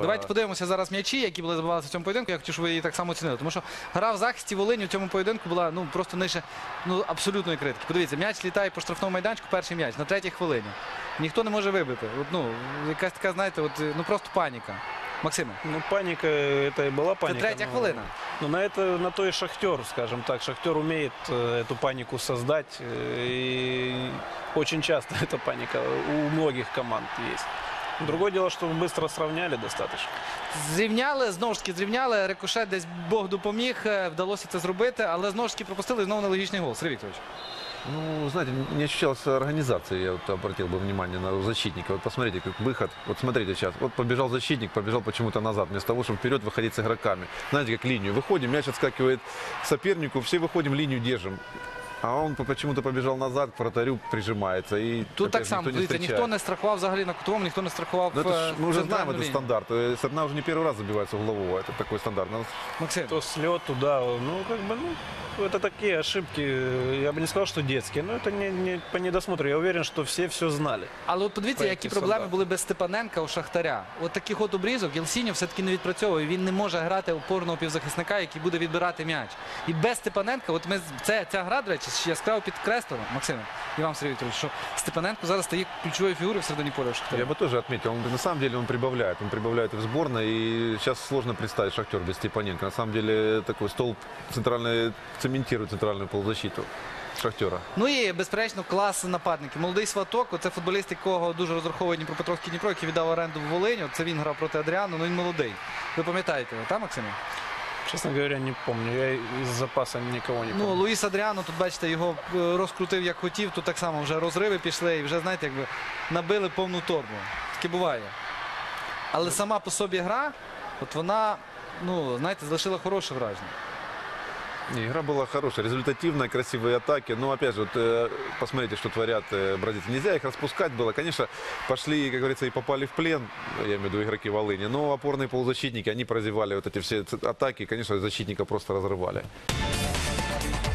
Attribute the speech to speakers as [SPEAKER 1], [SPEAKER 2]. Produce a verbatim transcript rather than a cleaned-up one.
[SPEAKER 1] Давайте подивимося зараз м'ячі, які були забивалися в цьому поєдинку. Я хотів, щоб ви її так само оцінили. Тому що гра в захисті Волині у цьому поєдинку була ну, просто нижче ну, абсолютної критики. Подивіться, м'яч літає по штрафному майданчику, перший м'яч на третій хвилині. Ніхто не може вибити. От, ну, якась така, знаєте, от, ну просто паніка. Максиме.
[SPEAKER 2] Ну, паника, это и была паника.
[SPEAKER 1] Это третья
[SPEAKER 2] но-
[SPEAKER 1] хвилина.
[SPEAKER 2] Но на это, на то и Шахтер, скажем так. Шахтер умеет э, эту панику создать. э, И очень часто эта паника у многих команд есть. Другое дело, что мы быстро сравняли достаточно.
[SPEAKER 1] Зрівняли, знову ж таки зрівняли. Рикошет десь Бог допоміг, е, вдалося це зробити, але знову ж таки пропустили і знову нелогічний гол. Сергій Вікторович.
[SPEAKER 3] Ну, знаете, не ощущалась организация, я вот обратил бы внимание на защитника. Вот посмотрите, как выход. Вот смотрите сейчас, вот побежал защитник, побежал почему-то назад, вместо того, чтобы вперед выходить с игроками. Знаете, как линию. Выходим, мяч отскакивает сопернику, все выходим, линию держим. А он почему-то побежал назад, к вратарю прижимается. И
[SPEAKER 1] Тут
[SPEAKER 3] опять
[SPEAKER 1] так
[SPEAKER 3] же
[SPEAKER 1] само,
[SPEAKER 3] никто не
[SPEAKER 1] дивіться, ніхто
[SPEAKER 3] встречает.
[SPEAKER 1] не страхував взагалі на кутовому, ніхто не страхував
[SPEAKER 3] Ну, это ж,
[SPEAKER 1] е,
[SPEAKER 3] мы уже знаем
[SPEAKER 1] центральну
[SPEAKER 3] этот
[SPEAKER 1] лінію.
[SPEAKER 3] стандарт. То есть одна уже не первый раз забивается углового. Это такой стандарт. Надо
[SPEAKER 1] Максим.
[SPEAKER 2] То слет туда, ну, как бы, ну, это такие ошибки, я бы не сказал, что детские, но это не, не по недосмотру. Я уверен, что все все знали.
[SPEAKER 1] Але от подивіться,
[SPEAKER 2] Проєкти
[SPEAKER 1] які проблеми
[SPEAKER 2] стандарт.
[SPEAKER 1] були без Степаненка у Шахтаря. От таких от обрізок Єлсіньо все-таки не відпрацьовує. Він не може грати опорного півзахисника, який буде відбирати м'яч. І без Степаненка, от ми, з- це, ця гра, до речі, яскраво підкреслена, Максиме, і вам, Сергій Вікторович, що Степаненко зараз стає ключовою фігурою в середині поля у Шахтаря.
[SPEAKER 3] Я бы тоже отметил, он, на самом деле он прибавляет, он прибавляет и в сборной, и сейчас сложно представить Шахтер без Степаненко. На самом деле такой столб центральный, цементирует центральную полузащиту Шахтера.
[SPEAKER 1] Ну і, безперечно, клас нападників. Молодий Сваток, це футболіст, якого дуже розраховує Дніпропетровський Дніпро, який віддав оренду в Волиню. Це він грав проти Адріану, ну він молодий. Ви пам'ятаєте його, так, Максиме?
[SPEAKER 2] Честно говоря, не помню. Я из запаса никого не
[SPEAKER 1] Ну,
[SPEAKER 2] помню.
[SPEAKER 1] Луїс Адріано, тут, бачите, його е, розкрутив як хотів, тут так само вже розриви пішли і вже, знаєте, якби набили повну торбу. Таке буває. Але сама по собі гра, от вона, ну, знаєте, залишила хороше враження.
[SPEAKER 3] Не, игра была хорошая, результативная, красивые атаки. Но опять же, вот, э, посмотрите, что творят э, бразильцы. Нельзя их распускать было. Конечно, пошли, как говорится, и попали в плен, я имею в виду игроки Волыни. Но опорные полузащитники, они прозевали вот эти все ц- атаки. Конечно, защитника просто разрывали.